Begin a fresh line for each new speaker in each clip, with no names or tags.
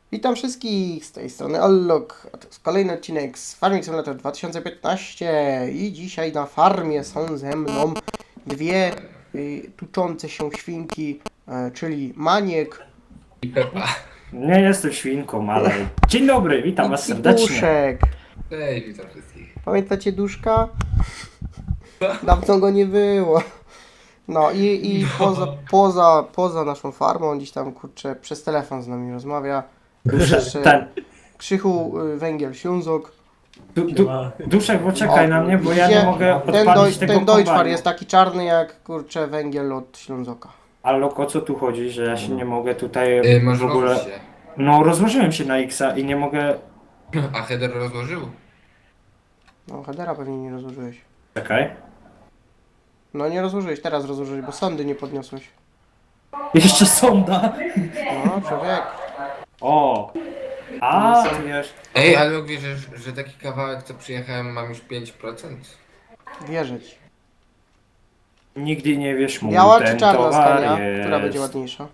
Witam wszystkich z tej strony Allok, a to jest kolejny odcinek z Farming Simulator 2015 i dzisiaj na farmie są ze mną dwie tuczące się świnki, czyli Maniek
I Pepa.
Nie jestem świnką, ale... Dzień dobry, witam was
i
serdecznie.
Duszek.
Cześć, witam wszystkich.
Pamiętacie Duszka? Dawno go nie było. No i poza naszą farmą, gdzieś tam kurczę przez telefon z nami rozmawia. Jeszcze
Ten,
Krzychu, Węgiel, Ślązok.
Duszek, poczekaj na mnie, bo ja nie mogę
Ten,
odpalić tego
ten Deutschfar
kombajnu.
jest taki czarny jak kurczę węgiel od Ślązoka.
Ale o co tu chodzi, że ja się nie mogę tutaj
Masz
w ogóle...
rozłożyć się.
No, rozłożyłem się na X-a i nie mogę...
A header rozłożył?
No headera pewnie nie rozłożyłeś.
Czekaj.
No nie rozłożyłeś, teraz rozłożyłeś, bo sondy nie podniosłeś.
Jeszcze sonda!
No człowiek.
O! A, tu wiesz...
Ej, ale wierzysz, że taki kawałek co przyjechałem mam już 5%?
Wierzę ci.
Nigdy nie wiesz, mój
Biała czy
ten
czarna
towar
skania?
jest...
Która będzie ładniejsza?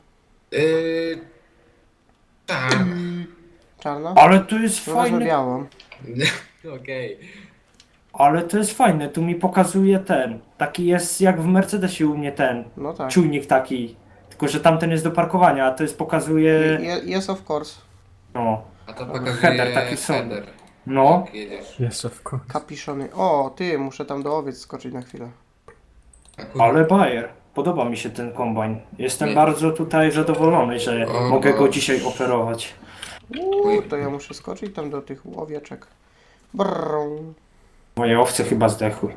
Tak.
Czarna?
Ale to jest
No wezmę
fajne...
białą.
Okej.
Ale to jest fajne, tu mi pokazuje ten. Taki jest jak w Mercedesie u mnie ten.
No tak.
Czujnik taki. Tylko, że tamten jest do parkowania, a to jest pokazuje...
Yes of course.
No.
A to pokazuje
Header, taki są.
header.
No.
Jak jedziesz.
Jeszcze w końcu.
Kapiszony. O, ty, muszę tam do owiec skoczyć na chwilę.
A kurde.
Ale Bayer, podoba mi się ten kombajn. Jestem
Nie.
bardzo tutaj zadowolony, że
O,
mogę go
Boże.
dzisiaj operować.
To ja muszę skoczyć tam do tych owieczek. Brrr.
Moje owce chyba zdechły.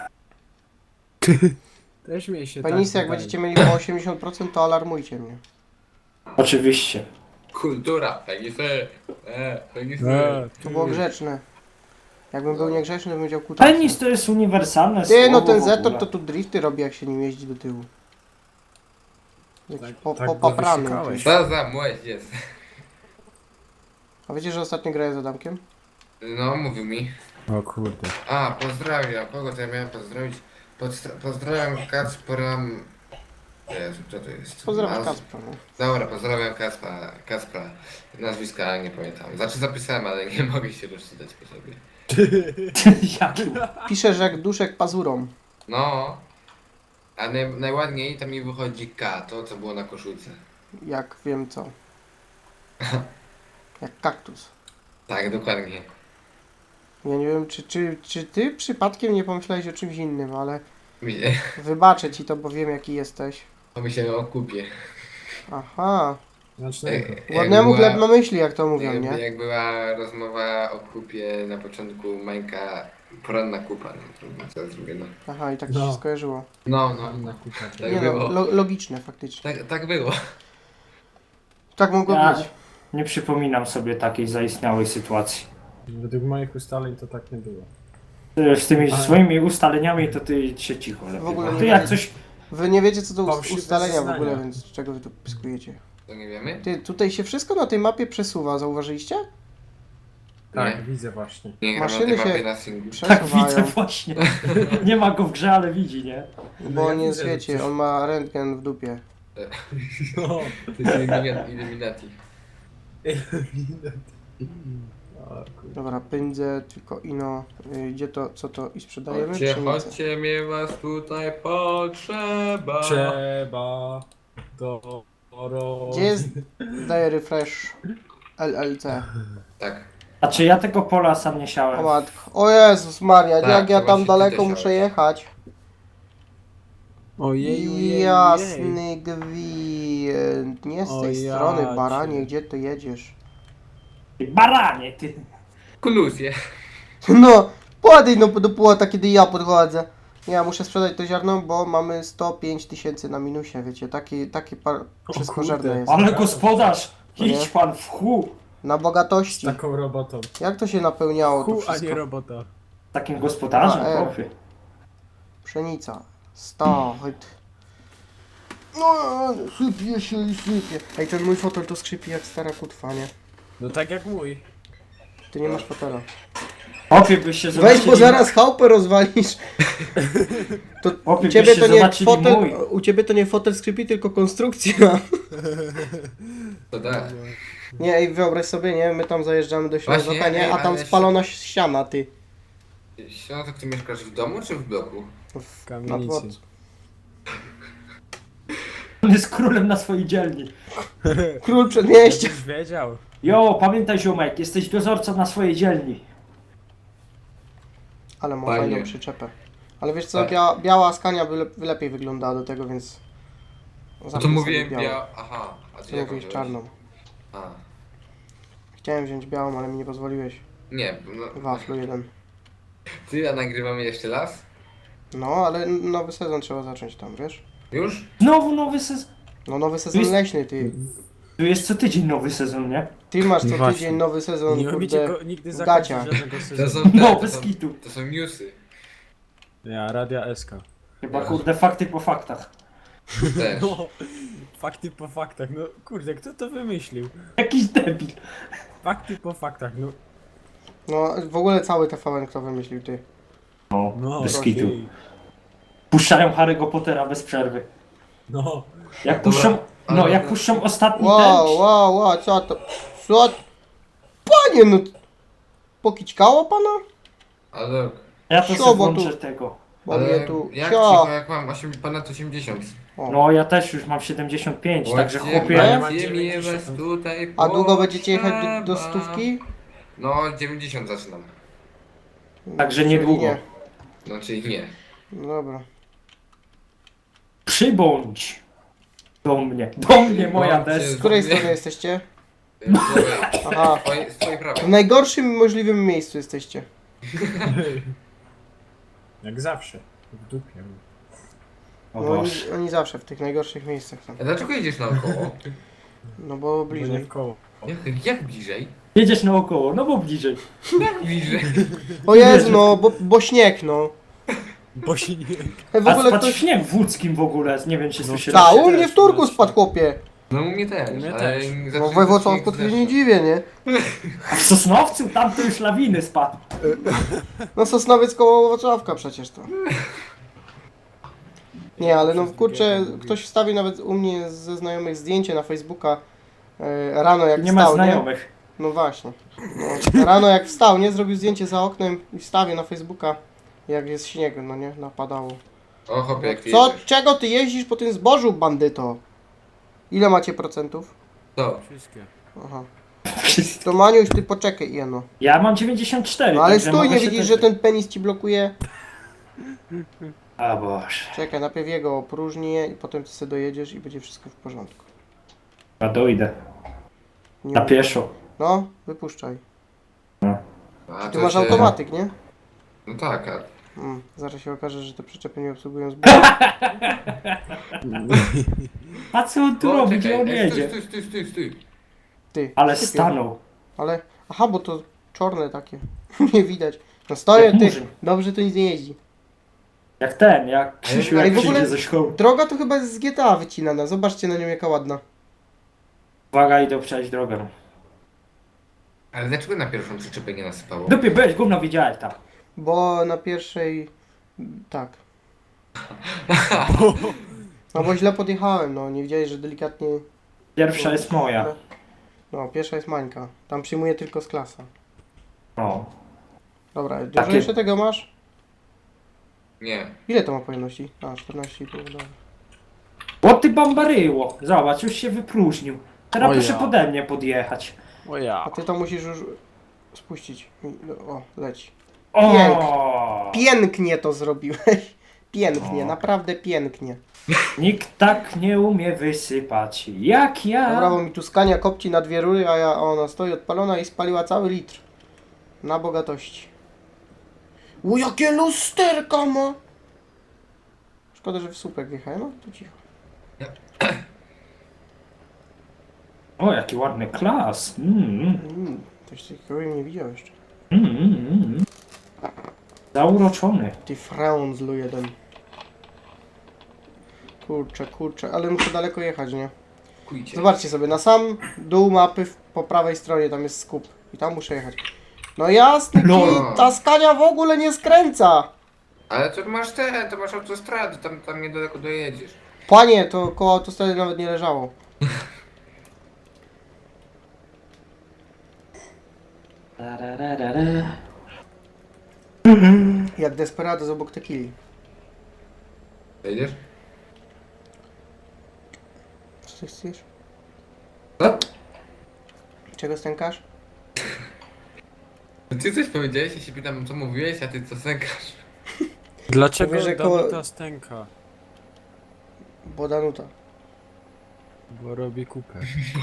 Też mi się
Penisy, jak
wydaje.
będziecie mieli po 80%, to alarmujcie mnie.
Oczywiście.
Kultura. Penisy. Penisy.
To było grzeczne. Jakbym był niegrzeczny, to bym powiedział kutasa.
Penis to jest uniwersalne
Ty, no
słowo
ten
w
Zetor
ogóle.
to tu drifty robi, jak się nim jeździ do tyłu. Jakiś
Tak go
popaprany.
wysikałeś.
Co za młodzież.
A wiecie, że ostatnio graję z Adamkiem?
No, mówił mi.
O kurde.
A, pozdrawiam. Kogo to ja miałem pozdrowić? Pozdrawiam Kacpra... Jezu, co to jest?
Pozdrawiam
Naz-
Kacpra. No.
Dobra, pozdrawiam Kacpra. Nazwiska nie pamiętam. Znaczy zapisałem, ale nie mogę się rozczytać po sobie.
Jaki?
Pisze, że jak duszek pazurą.
No. A najładniej tam mi wychodzi K, to co było na koszulce.
Jak wiem co. Jak kaktus.
Tak, dokładnie.
Ja nie wiem, czy ty przypadkiem nie pomyślałeś o czymś innym, ale
Widzę.
wybaczę ci to, bo wiem jaki jesteś.
Pomyślałem o kupie.
Aha.
Znacznego.
Ładnemu chleb na myśli, jak to mówią, nie?
Jak była rozmowa o kupie na początku Mańka, poranna kupa, no trudno, co zrobię, no.
Aha, i tak ci
No.
się skojarzyło.
No, no.
Inna kupa.
Tak
Nie
było.
no, logiczne faktycznie.
Tak było.
Tak mogło
Ja
być.
nie przypominam sobie takiej zaistniałej sytuacji.
Według moich ustaleń to tak nie było.
Z tymi
Ale-
swoimi ustaleniami to ty się cicho lepiej.
W ogóle
Bo
nie
ty jak
wiem.
coś...
Wy nie wiecie co to
Fałszywe
ustalenia w
zeznania.
ogóle, więc czego wy tu pyskujecie?
To nie wiemy?
Ty, tutaj się wszystko na tej mapie przesuwa, zauważyliście?
Tak,
Nie.
widzę właśnie.
Nie gram na
Maszyny
tej mapie
się
na singlu.
Tak widzę
przesuwają,
właśnie. Nie ma go w grze, ale widzi, nie?
bo
ja
on jest,
widzę, że
wiecie,
coś-
on ma rentgen w dupie.
No.
To jest Illuminati.
O kurde.
Dobra, pędzę, tylko ino, gdzie to, co to i sprzedajemy?
Chodźcie,
Pszenicę.
chodźcie, mnie was tutaj potrzeba.
Trzeba do
Gdzie jest Daję refresh LLC?
Tak.
A czy ja tego pola sam nie
O
siałem?
matko, o Jezus Maria,
Tak,
jak ja
to
tam
właśnie
daleko
ty
muszę
siałeś.
jechać.
Ojej,
Jasny gwint, nie z tej
O ja
strony, baranie,
cię.
gdzie to jedziesz?
Ty baranie, ty!
Koluzję.
No, podejdź no do płota, kiedy ja podchodzę. Ja muszę sprzedać to ziarno, bo mamy 105 000 na minusie, wiecie, takie wszystko żerne
kurde.
jest.
Ale gospodarz!
No nie?
Idź pan w chu!
Na
Z
bogatości.
taką robotą.
Jak to się napełniało to
Hu, a nie
wszystko?
robota.
Takim gospodarzem,
A,
chłopie.
Pszenica. Stachyd. No, sypie się i sypie. Ej, ten mój fotel to skrzypi jak stara kutwa, nie?
No tak jak mój.
Ty nie masz fotela.
Chłopie, byś się
Weź,
zobaczyli...
bo zaraz chałupę rozwalisz. To
Chłopie,
u ciebie
byście
to nie
zobaczyli
fotel,
mój.
u ciebie to nie fotel skrzypi, tylko konstrukcja.
To da.
Nie, i wyobraź sobie, nie? My tam zajeżdżamy do Ślązoka,
Właśnie,
nie?
ej,
A tam
ale
spalona ściana, ty.
Ślązok, ty mieszkasz w domu czy w bloku?
W, na
Kamienicy.
dworcu.
On jest królem na swojej dzielni.
Król przedmieścia.
Jakbyś wiedział.
Jo, pamiętaj ziomek, jesteś dozorcą na swojej dzielni.
Ale ma
Fajnie.
fajną przyczepę. Ale wiesz co,
Tak.
biała Scania by lepiej wyglądała do tego, więc...
No to
Zamknij sobie
mówiłem
białą.
Aha, a ty
Ty
jaką
mówisz
wziąłeś?
czarną.
A,
Chciałem wziąć białą, ale mi nie pozwoliłeś.
nie, no,
Waflu jeden.
ty, a nagrywamy jeszcze raz?
No, ale nowy sezon trzeba zacząć tam, wiesz?
Już?
Znowu nowy sezon.
No nowy sezon
Jest-
leśny, ty.
Tu jest co tydzień nowy sezon, nie?
Ty masz co
Właśnie.
tydzień nowy sezon,
Nie umiecie
kurde.
go nigdy
w
zakończyć
gaciach.
żadnego
To
sezonu.
są te,
No,
to
bez
są,
kitu.
to są newsy.
Ja, Radia SK.
Chyba kurde fakty po faktach.
Też.
No, fakty po faktach, no kurde, kto to wymyślił?
Jakiś debil.
Fakty po faktach, no.
No, w ogóle cały TVN kto wymyślił, ty.
No,
No,
bez
okej.
kitu. Puszczają Harry'ego Pottera bez przerwy.
No,
Jak
Dobra,
puszczą,
ale-
no jak puszczą ostatni
Wow, co to? Co? Panie, no... Pokićkało pana?
Ale,
ja to
Sio,
sobie
bo tu-
włączę tego.
Bo mnie
ale
tu...
jak
Cio!
cicho, jak mam ponad 80.
O.
No ja też już mam 75, także chłopie...
ja mam
Gdzie mnie
90.
was tutaj
A długo będziecie jechać do
potrzeba?
stówki?
No, 90 zaczynam.
Także
Czyli
niedługo.
nie.
No, czyli nie.
No dobra.
Przybądź do mnie moja
Bądźcie
deska.
Z której
Nie.
strony jesteście?
Aha.
Aha.
Z twojej prawej.
W najgorszym możliwym miejscu jesteście.
jak zawsze. W dupie.
O
No oni,
Boże.
oni zawsze w tych najgorszych miejscach tam.
A dlaczego jedziesz naokoło?
No bo
Bliżej.
bliżej.
W koło.
Jak bliżej?
Jedziesz naokoło, no bo bliżej.
Jak bliżej?
O Jezu, no, bo śnieg, no.
Bo się nie...
W
A
ogóle
spadł
ktoś...
śnieg w łódzkim w ogóle, nie wiem czy
No
słyszeliście.
Ta, u
też,
mnie w Turku
no,
spadł, chłopie.
No u mnie też,
U mnie
ale
też.
No we Wrocławku to się nie dziwię, nie?
A w Sosnowcu tam to już lawiny spadł.
No Sosnowiec koło Wrocławka przecież to. Nie, ale no kurczę, ktoś wstawił nawet u mnie ze znajomych zdjęcie na Facebooka rano jak
Nie ma
wstał, nie?
znajomych.
No właśnie. No, rano jak wstał, nie? Zrobił zdjęcie za oknem i wstawił na Facebooka jak jest śnieg, no nie? Napadało.
O hopie, jak ty
Co?
jedziesz.
Czego ty jeździsz po tym zbożu, bandyto? Ile macie procentów?
Co?
Wszystkie.
Aha. To Maniuś, ty poczekaj, jeno.
Ja mam 94.
No ale
także
stój,
mogę
nie
się
widzisz,
też-
że ten penis ci blokuje?
A Boże.
Czekaj, najpierw jego opróżnię i potem ty sobie dojedziesz i będzie wszystko w porządku.
Ja dojdę.
Nie
Na
mów-
pieszo.
No, wypuszczaj.
A
Ty
to
masz
się-
automatyk, nie?
No tak, a...
Zaraz się okaże, że te przyczepy nie obsługują zboża.
A co on tu robi? Gdzie on jedzie?
Stój.
Ty.
Ale
sypie.
stanął.
Ale, aha, bo to czarne takie. Nie widać. No stoję,
Jak
ty.
murzyn.
Dobrze to nic nie jeździ.
Jak Krzysiu
Ale
jak
w ogóle-
przyjdzie ze szkoły.
Droga to chyba jest z GTA wycinana. Zobaczcie na nią jaka ładna.
Uwaga, idę przejść drogę.
Ale dlaczego na pierwszą przyczepę nie nasypało?
Dupie, byłeś, gówno widziałeś tam.
Bo na pierwszej... Tak. No bo źle podjechałem, no. Nie widziałeś, że delikatnie...
Pierwsza jest moja.
No, pierwsza jest Mańka. Tam przyjmuje tylko z klasa.
O.
Dobra, dużo
Takie-
jeszcze tego masz?
Nie.
Ile to ma pojemności? A, 14,5, dobra.
O ty bambaryło. Zobacz, już się wypróżnił. Teraz
O
proszę
ja.
pode mnie podjechać.
O ja.
A ty to musisz już spuścić. O, leci.
O.
Pięknie to zrobiłeś. Pięknie,
O.
naprawdę pięknie.
Nikt tak nie umie wysypać jak ja.
Dobra, bo mi tu Scania kopci na dwie rury, a ona stoi odpalona i spaliła cały litr. Na bogatości. O, jakie lusterka ma! Szkoda, że w słupek wjechałem, no to cicho.
O, jaki ładny klas.
Coś takiego bym nie widział jeszcze.
Zauroczony.
Ty frędzlu jeden. Kurczę, ale muszę daleko jechać, nie?
Kujcie.
Zobaczcie sobie, na sam dół mapy po prawej stronie tam jest skup. I tam muszę jechać. No jasny
No.
kij, ta Scania w ogóle nie skręca!
Ale to masz autostrady, tam niedaleko dojedziesz.
Panie, to koło autostrady nawet nie leżało.
Tararara.
Jak Desperados obok Tequili.
Wejdziesz?
Co ty chcesz?
Co?
Czego stękasz?
Ty coś powiedziałeś, ja się pytam co mówiłeś, a ty co sękasz?
Dlaczego
Mówię, że koło-
Danuta stęka?
Bo Danuta.
Bo robi kupę.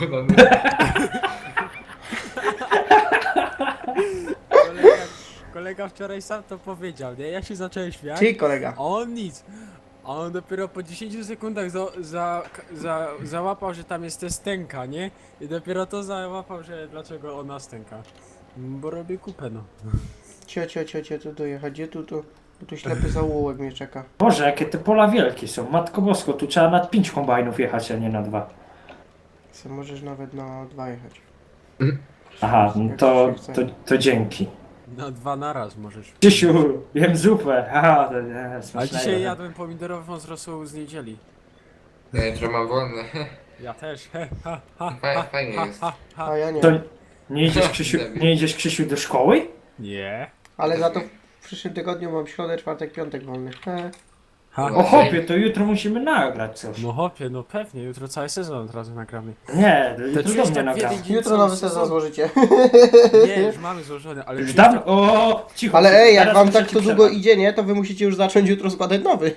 Kolega wczoraj sam to powiedział, nie? Ja się zacząłem śmiać,
Czyli kolega.
a on nic. A on dopiero po 10 sekundach załapał, że tam jest te stęka, nie? I dopiero to załapał, że dlaczego ona stęka. Bo robi kupę, no.
Cio, tu dojechać. Gdzie tu? Bo tu ślepy zaułek mnie czeka.
Boże, jakie te pola wielkie są. Matko Bosko, tu trzeba na 5 kombajnów jechać, a nie na 2.
Co możesz nawet na 2 jechać.
Aha, no to dzięki.
Na 2 naraz możesz.
Krzysiu, jem zupę. Aha, to nie,
A
smacznego.
dzisiaj jadłem pomidorową z rosół z niedzieli.
Ja jutro mam wolne.
Ja też. He, ha, ha,
Fajnie
ha,
jest.
ha, ha.
A ja nie.
To nie idziesz Krzysiu do szkoły?
Nie.
Ale za to w przyszłym tygodniu mam środę, czwartek, piątek wolny.
Ha.
O chłopie, to jutro musimy nagrać coś.
No hopie, no pewnie, jutro cały sezon od razu nagramy.
Nie, to jutro do
czujesz
mnie
tak w
nagramy.
jeden dzień
Jutro
cały
nowy sezon złożycie.
Nie, już mamy złożony, ale
Już
czujesz
dawno,
tak,
o, cicho.
Ale ej, jak
teraz
wam
muszę
tak
ci
to długo
przerwać.
idzie, nie? To wy musicie już zacząć jutro składać nowy.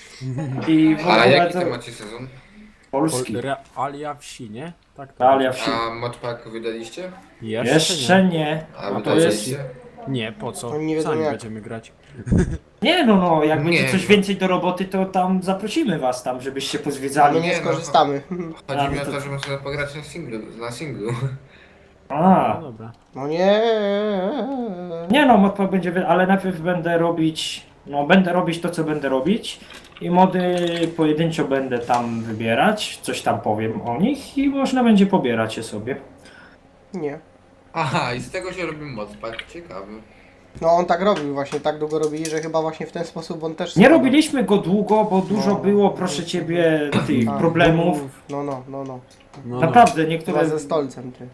I w
A
ogóle
jaki
to
to macie sezon?
polski.
Realia wsi, nie? Tak to.
Realia wsi.
A modpack wydaliście?
Jeszcze nie.
A
No to jest...
wydaliście?
Nie, po co?
Oni nie wiedzą
Sami
jak.
będziemy grać.
Nie no, jak
Nie,
będzie coś
no.
więcej do roboty, to tam zaprosimy was tam, żebyście
A my
pozwiedzali.
nie
Nie, no.
skorzystamy.
Chodzi mi
no
o
to-
to, że można pograć na singlu.
A,
No dobra.
No nie.
nie no, modpa będzie, ale najpierw będę robić to, co będę robić i mody pojedynczo będę tam wybierać, coś tam powiem o nich i można będzie pobierać je sobie.
Nie.
Aha, i z tego się robi modpack, ciekawy.
No on tak robił właśnie, tak długo robili, że chyba właśnie w ten sposób on też...
Nie
składał.
robiliśmy go długo, bo dużo
No.
było, proszę ciebie, tych
A,
problemów.
No.
No,
Naprawdę, niektóre...
Chyba ze stolcem, ty.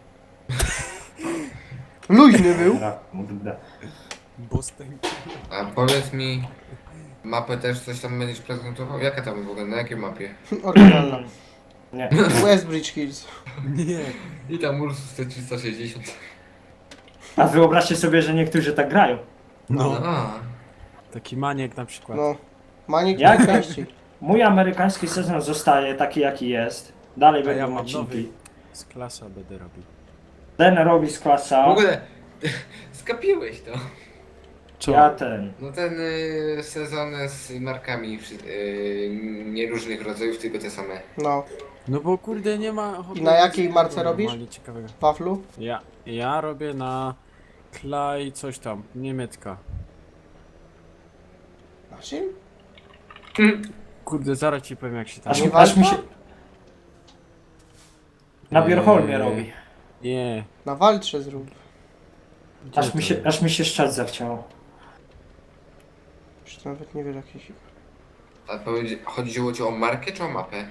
Luźny był.
Dobra, kurde.
Bo stęka.
A powiedz mi, mapę też coś tam będziesz prezentował? Jaka tam w ogóle, na jakiej mapie?
Oryginalna.
Nie.
Westbridge Hills.
Nie.
I tam Ursus T360.
A wyobraźcie sobie, że niektórzy tak grają.
No.
A,
Taki maniek na przykład.
No. Manik
Jak?
najczęściej.
Mój amerykański sezon zostaje taki, jaki jest. Dalej
A
będą
ja mam
odcinki.
nowy. Z klasa będę robił.
Ten robi z klasa.
w ogóle skapiłeś to.
Co?
Ja ten.
No ten sezon z markami nieróżnych rodzajów, tylko te same.
No.
No bo kurde nie ma...
I na jakiej marce robisz?
Normalnie ciekawego.
Waflu?
Ja robię na Klaj coś tam, niemiecka.
Na czym?
Kurde, zaraz ci powiem jak się tam...
Aż mi się...
walka?
Na Bierholmie
Eee.
robi.
Nie.
Na waltrze zrób.
Gdzie to jest?
Aż mi się szczać zachciało.
Już nawet nie wiesz jak się...
A chodziło ci o markę czy o mapę?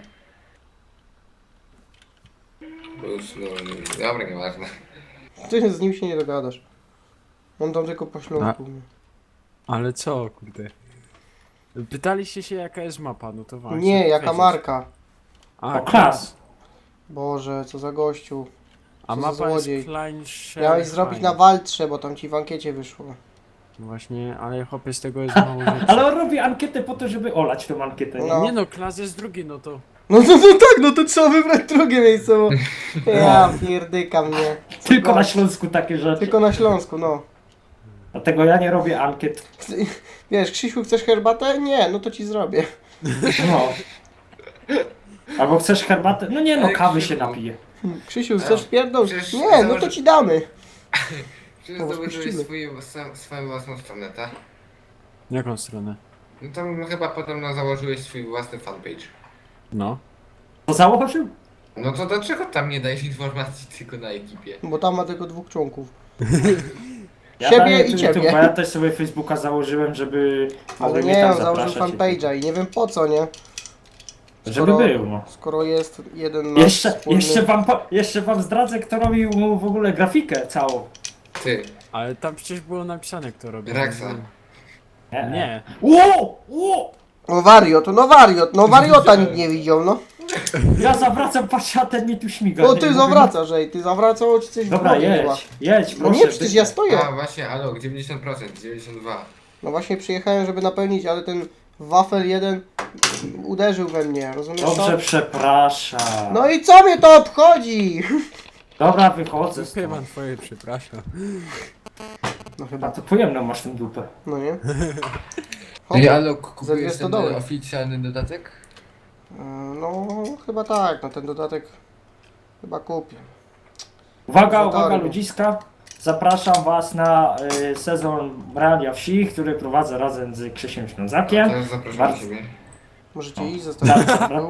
Plus, no, dobra, nieważne.
Ty z nim się nie dogadasz. On tam tylko po śląsku.
Ale co, kurde? Pytaliście się jaka jest mapa, no to właśnie.
Nie, jaka
wiedzieć.
marka.
A,
O, klas.
Boże, co za gościu.
A
Co za
mapa
złodziej.
jest Klein
Miałeś zrobić na waltrze, bo tam ci w ankiecie wyszło.
Właśnie, ale chłopie z tego jest mało rzeczy.
Ale on robi ankietę po to, żeby olać tą ankietę. nie?
No.
Nie no, klas jest drugi, no to...
No tak, no to trzeba wybrać drugie miejsce, bo... Ja pierdykam, nie. Co
Tylko na
gość.
Śląsku takie rzeczy.
Tylko na Śląsku, no.
Dlatego ja nie robię ankiet.
Wiesz, Krzysiu, chcesz herbatę? Nie, no to ci zrobię.
No. Albo chcesz herbatę? No nie no,
Ale
kawy się
Krzysiu.
napiję.
Krzysiu, chcesz pierdol?
Przecież
Nie, no to ci damy.
Czy
No,
zdobyłeś
spuścimy.
swoją własną stronę, tak?
Jaką stronę?
No tam chyba potem założyłeś swój własny fanpage.
No.
To założył?
No to dlaczego tam nie dajesz informacji tylko na ekipie?
Bo tam ma tylko 2 członków.
Ja
Siebie
daję
i
tu
ciebie.
YouTube, bo ja też sobie Facebooka założyłem, żeby
Ale
mogli mnie
nie,
tam
on założył
zapraszać.
fanpage'a i nie wiem po co, nie?
Żeby był, no.
Skoro jest jeden nasz wspólny...
Jeszcze wam zdradzę, kto robił mu w ogóle grafikę całą.
Ty,
Ale tam przecież było napisane, kto robi.
Raksa.
Nie.
Ło!
No wariot, no wariot, no wariota nikt nie widział, no.
Ja zawracam, patrzę, a ten mi tu śmiga.
O,
nie?
ty
Mówię,
zawracasz, ej, ty zawracał ci coś w
Dobra,
głowie chyba.
jedź,
No
proszę.
nie, przecież ja stoję.
A właśnie, alok, 90%, 92.
No właśnie przyjechałem, żeby napełnić, ale ten wafel jeden uderzył we mnie, rozumiesz
Dobrze,
to?
przepraszam.
No i co mnie to obchodzi?
Dobra, wychodzę
Dupie
stąd.
mam twoje, przepraszam.
No
A
chyba,
to pojemną masz tę dupę.
no nie?
Ej,
Hop.
alok,
Za
kupujesz
200
ten
dolarów.
oficjalny dodatek?
No chyba tak, no ten dodatek chyba kupię.
Uwaga,
Zatory.
uwaga ludziska. Zapraszam was na sezon Realia Wsi, który prowadzę razem z Krzysiem Ślązakiem.
Teraz zapraszam
Bardzo-
ciebie.
Możecie iść, zostawić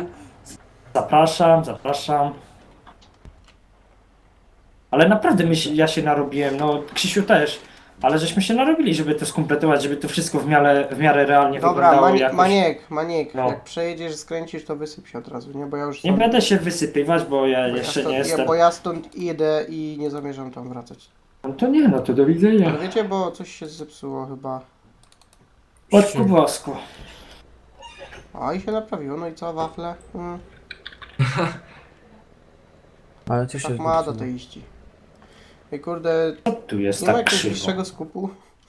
Zapraszam. Ale naprawdę ja się narobiłem, no Krzysiu też. Ale żeśmy się narobili, żeby to skompletować, żeby to wszystko w miarę realnie
Dobra,
wyglądało jakoś.
Maniek,
No.
jak przejedziesz, skręcisz, to wysyp się od razu, nie? Bo ja już
Nie będę się wysypywać, bo ja
bo
jeszcze
ja stąd,
nie jestem.
Bo ja stąd idę i nie zamierzam tam wracać.
No to nie, no to do widzenia.
Ale wiecie, bo coś się zepsuło chyba.
Matku bosku.
A i się naprawiło, no i co, wafle?
Ale ty się
Tak ma do tej iści. Ej kurde,
Co tu jest
nie ma
tak
jakiegoś
krzywo?
wyższego skupu?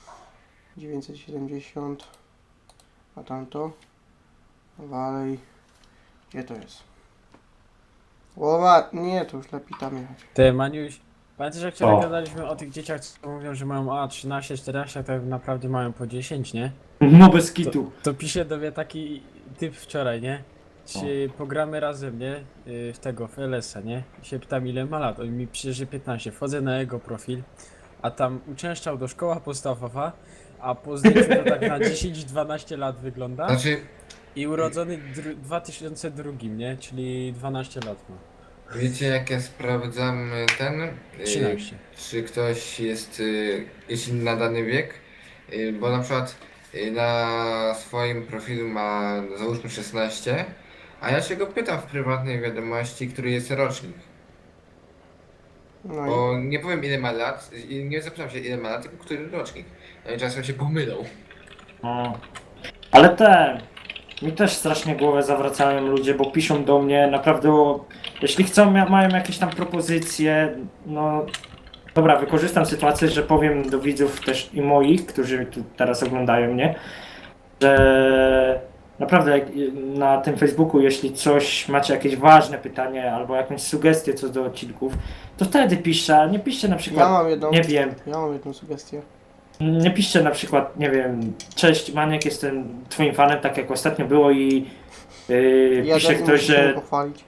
970. A tamto? Dalej. Gdzie to jest? Łowa, nie, to już lepiej tam jechać.
Ty, Maniuś, pamiętasz jak wczoraj
O.
gadaliśmy o tych dzieciach, co mówią, że mają 13, 14, a tak naprawdę mają po 10, nie?
No bez kitu.
To pisze do mnie taki typ wczoraj, nie? Czy pogramy razem, nie? W tego, w LS-a, nie? I się pytam ile ma lat, on mi pisze, że 15. Wchodzę na jego profil, a tam uczęszczał do szkoła podstawowa, a po zdjęciu to tak na 10-12 lat wygląda.
Znaczy,
I urodzony 2002, nie? Czyli 12 lat ma.
wiecie jak ja sprawdzam ten?
13.
Czy ktoś jest, jeśli na dany wiek? Bo na przykład na swoim profilu ma załóżmy 16, a ja się go pytam w prywatnej wiadomości, który jest rocznik.
No i
Bo nie powiem ile ma lat, i nie zapytam się ile ma lat, tylko który rocznik. No i czasem się pomylą.
No. Ale mi też strasznie głowę zawracają ludzie, bo piszą do mnie naprawdę jeśli chcą, mają jakieś tam propozycje, no dobra, wykorzystam sytuację, że powiem do widzów też i moich, którzy tu teraz oglądają mnie, że naprawdę na tym Facebooku, jeśli coś macie jakieś ważne pytanie albo jakąś sugestię co do odcinków, to wtedy piszcie, a nie piszcie na przykład,
ja mam jedną,
nie wiem,
ja mam jedną sugestię.
nie piszcie na przykład, nie wiem, cześć Maniek, jestem twoim fanem, tak jak ostatnio było i pisze ktoś, że
pochwalić.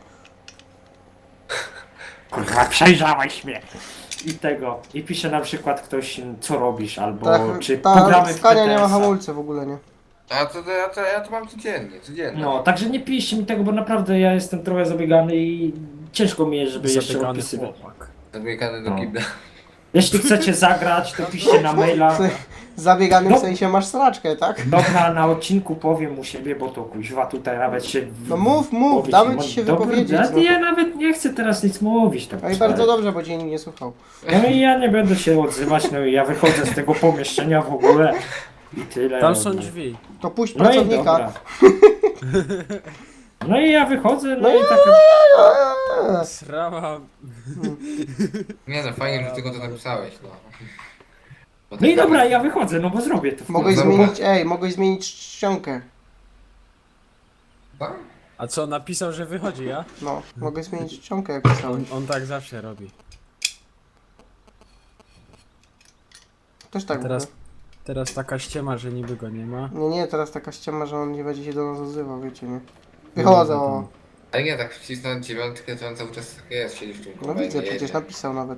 kurwa, przejrzałeś mnie i pisze na przykład ktoś, co robisz, albo czy
Ta
pogramy w
Skania nie ma
TTS-a.
hamulca w ogóle, nie?
A ja to mam codziennie.
No, także nie piszcie mi tego, bo naprawdę ja jestem trochę zabiegany i ciężko mi jest, żeby jeszcze
Zabiegany
odpisywać.
chłopak.
Zamykany do
No.
kibla.
Jeśli chcecie zagrać, to piszcie na maila.
Zabiegany
No.
w sensie masz sraczkę, tak?
Dobra, na odcinku powiem u siebie, bo to kuźwa tutaj nawet się...
No mów, damy ci się
Dobra,
wypowiedzieć.
ja,
No.
ja nawet nie chcę teraz nic mówić. Tak
No i bardzo dobrze, bo dzień nie słuchał.
No i ja nie będę się odzywać, no i ja wychodzę z tego pomieszczenia w ogóle i tyle.
Tam
no.
są drzwi.
To puść
No i
pracownika.
dobra. No i ja wychodzę, no
No
i tak...
Srała.
Nie no, fajnie, że tylko to napisałeś, no. Bo
No i
tak
dobra, ja wychodzę, no bo zrobię to.
Mogłeś
Dobra.
mogłeś zmienić czcionkę.
Tak?
A co, napisał, że wychodzi, ja?
No, mogę zmienić czcionkę jak pisałeś.
On tak zawsze robi.
Też tak
Teraz,
teraz...
teraz taka ściema, że niby go nie ma.
Nie, teraz taka ściema, że on nie będzie się do nas odzywał, wiecie, nie? Wychodzę, o.
Ale nie, tak wcisnąć dziewiątkę, to on cały czas tak jest, siedzi w tym
No
kombajnie,
widzę, przecież
jedzie.
napisał nawet.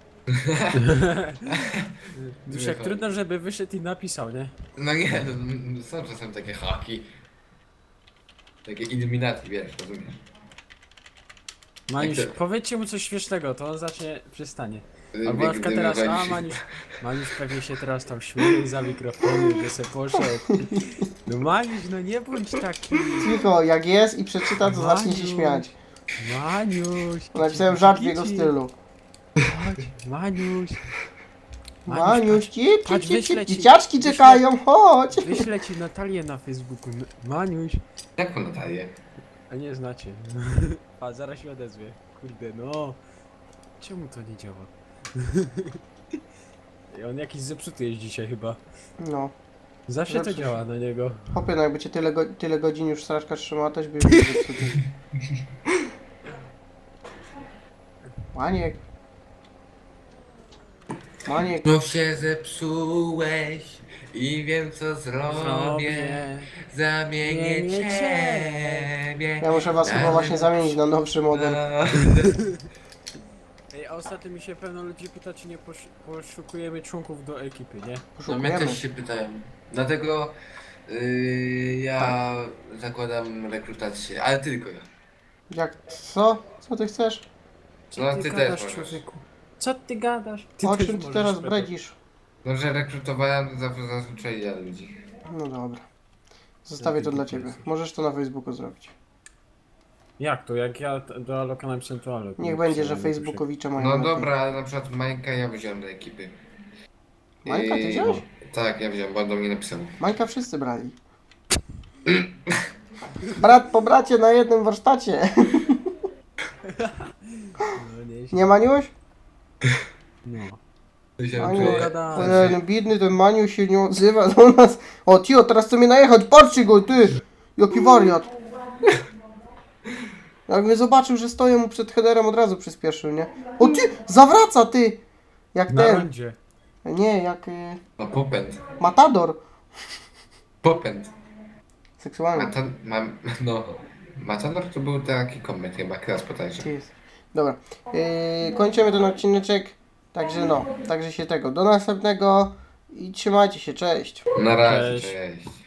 Duszek, trudno, żeby wyszedł i napisał, nie?
No nie, no, są czasem takie haki. Takie iluminaty, wiesz, rozumiesz?
Maniusz,
Jak to-
powiedzcie mu coś śmiesznego, to on zacznie, przystanie. Albo na
Bieg
przykład teraz,
dymowali się.
Maniusz pewnie się teraz tam śmieje za mikrofonem, że se poszedł. No Maniusz, no nie bądź taki.
Cicho, jak jest i przeczyta, to zacznie się
Maniu.
śmiać.
Maniusz.
Napisałem żart w jego
kici.
stylu.
Chodź, Maniusz.
Maniuś,
patrz, wyślę ci-
dzieciaczki czekają, chodź.
Wyślę ci Natalię na Facebooku. Maniuś.
Jaką Natalię?
A nie znacie. A zaraz się odezwie. Kurde, no. Czemu to nie działa? I on jakiś zepsuty jest dzisiaj chyba.
No,
Zawsze to
Zepsuł
działa na niego.
chłopie, no jakby cię tyle godzin już strażka trzymała, też by już zepsuty. Maniek. Maniek.
No się zepsułeś i wiem co zrobię. Zamienię
Zmienię
ciebie.
Ja muszę was chyba właśnie zamienić na nowszy model.
Ej, a ostatnio mi się pewno ludzi pyta, czy nie poszukujemy członków do ekipy, nie?
No mnie
Poszukujemy.
też się pytają. Dlatego ja zakładam rekrutację, ale tylko ja.
Jak, co? Co ty chcesz?
Co
No,
ty
ty też
gadasz,
możesz.
człowieku? Co ty gadasz?
O
też
czym ty
możesz,
teraz
Pepe.
bredzisz?
No, że rekrutowałem to zazwyczaj ja ludzi.
No dobra. Zostawię to dla ciebie. Możesz to na Facebooku zrobić.
Jak to? Jak ja do Aloka napisałem to Alok.
Niech będzie, że Facebookowicze mają
No
lepiej.
dobra, ale na przykład Majka ja wziąłem do ekipy.
Majka ty wziąłeś?
Tak, ja wziąłem, bo on do mnie napisał.
Majka wszyscy brali. Brat po bracie na jednym warsztacie.
No nieźle.
Nie Maniuś?
No.
Maniu,
Gadałem.
ten biedny ten Maniu się nie odzywa do nas. O tio, teraz chce mnie najechać, patrzcie go, ty! Jaki wariat. Jak mnie zobaczył, że stoję mu przed headerem, od razu przyspieszył, nie? O ty, zawraca ty! Jak
Na
ten,
rondzie.
nie, jak
No popęd.
Matador.
Popęd.
Seksualny.
No. Matador to był taki komet chyba, klas potajczy.
Gdzie jest? Dobra, kończymy ten odcineczek. Także no, także się tego. Do następnego i trzymajcie się, cześć.
Na razie,
Cześć.
cześć.